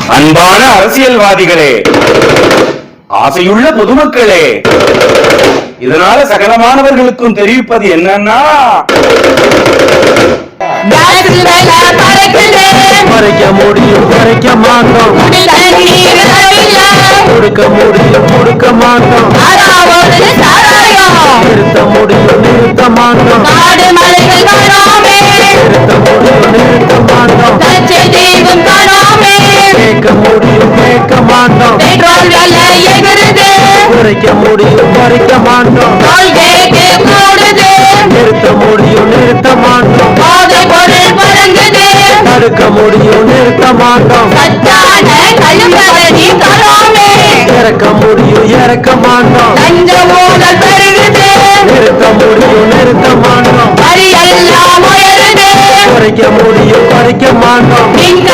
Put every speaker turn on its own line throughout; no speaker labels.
அன்பான அரசியல்வாதிகளே, ஆசையுள்ள பொதுமக்களே, இதனால சகலமானவர்களுக்கும் தெரிவிப்பது என்னன்னா,
மறைக்க முடியும் மறைக்க மாட்டோம், கொடுக்க முடியும் கொடுக்க மாட்டோம், நிறுத்த முடியும் நிறுத்த மாட்டோம், நிறுத்த முடியும் நிறுத்த மாட்டோம், கேட்க முடியும் கேட்க மாட்டோம், குறைக்க முடியும் குறைக்க மாட்டோம், நிறுத்த முடியும் நிறுத்த மாட்டோம், தடுக்க முடியும் நிறுத்த மாட்டோம், இறக்க முடியும் இறக்க மாட்டோம், நிறுத்த முடியும் நிறுத்த மாட்டோம், குறைக்க முடியும் குறைக்க மாட்டோம்,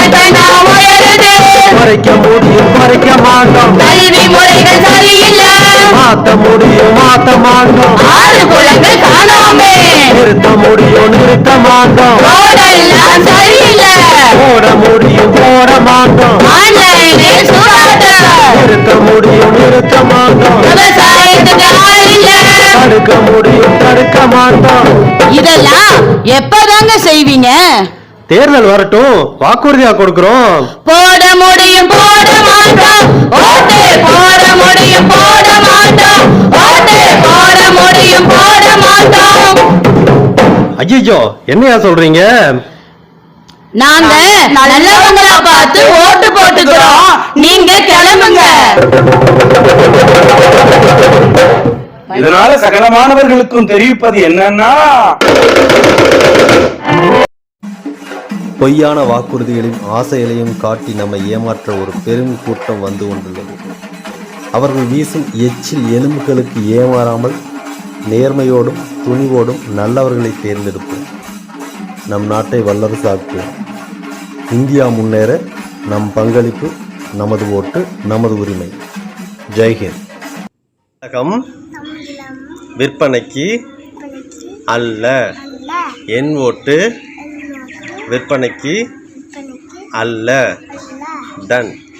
குறைக்க முடியும் குறைக்க மாட்டோம்,
கல்வி முறைகள் சரியில்லை,
மாத்த முடியும் மாத்த மாட்டோம், நிறுத்த முடியும் நிறுத்த மாட்டோம்,
சரியில்லை,
போட முடியும் போட மாட்டோம், நிறுத்த முடியும் நிறுத்த மாட்டோம், தடுக்க முடியும் தடுக்க மாட்டோம்.
இதெல்லாம் எப்பதாங்க செய்வீங்க?
தேர்தல் வரட்டும், வாக்குறுதியா கொடுக்கிறோம்.
போட முடியும் போட மாட்டோம், ஓட்டு போட முடியும் போட மாட்டோம், ஓட்டு போட முடியும் போட மாட்டோம்.
ஐயோ, என்னையா சொல்றீங்க?
நாங்க நல்லவங்களா பார்த்து ஓட்டு போட்டுக்கிறோம், நீங்க கிளம்புங்க.
இதனால சகலமானவர்களுக்கும் தெரிவிப்பது என்னன்னா,
பொய்யான வாக்குறுதிகளையும் ஆசைகளையும் காட்டி நம்மை ஏமாற்ற ஒரு பெரும் கூட்டம் வந்து கொண்டுள்ளது. அவர்கள் வீசும் எச்சில் எலும்புகளுக்கு ஏமாறாமல் நேர்மையோடும் துணிவோடும் நல்லவர்களை தேர்ந்தெடுப்போம். நம் நாட்டை வல்லரசாக்குவோம். இந்தியா முன்னேற நம் பங்களிப்பு, நமது ஓட்டு, நமது உரிமை. ஜெய்ஹிந்த். விற்பனைக்கு அல்ல, என் ஓட்டு விற்பனைக்கு அல்ல. டன்.